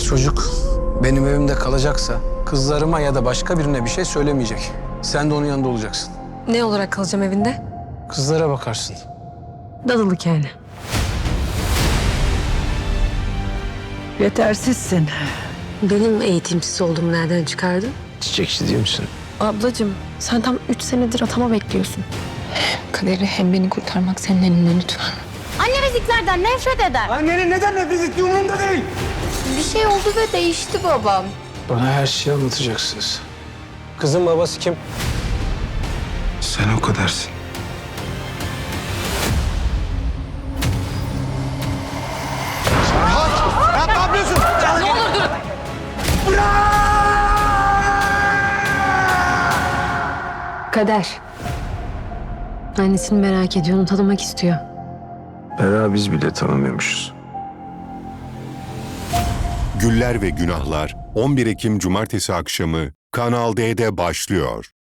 Çocuk benim evimde kalacaksa kızlarıma ya da başka birine bir şey söylemeyecek. Sen de onun yanında olacaksın. Ne olarak kalacağım evinde? Kızlara bakarsın. Dadılık yani. Yetersizsin. Benim eğitimsiz olduğumu nereden çıkardın? Çiçekçi değil misin? Ablacığım sen tam 3 senedir atama bekliyorsun. Kaderi hem beni kurtarmak senin elinde lütfen. Anne eziklerden nefret eder. Annenin neden nefret ettiği umurumda değil. Bir şey oldu ve değişti babam. Bana her şeyi anlatacaksınız. Kızın babası kim? Sen o kadarsın. Kader. Annesini merak ediyor, onu tanımak istiyor. Bera biz bile tanımıyormuşuz. Güller ve Günahlar 11 Ekim Cumartesi akşamı Kanal D'de başlıyor.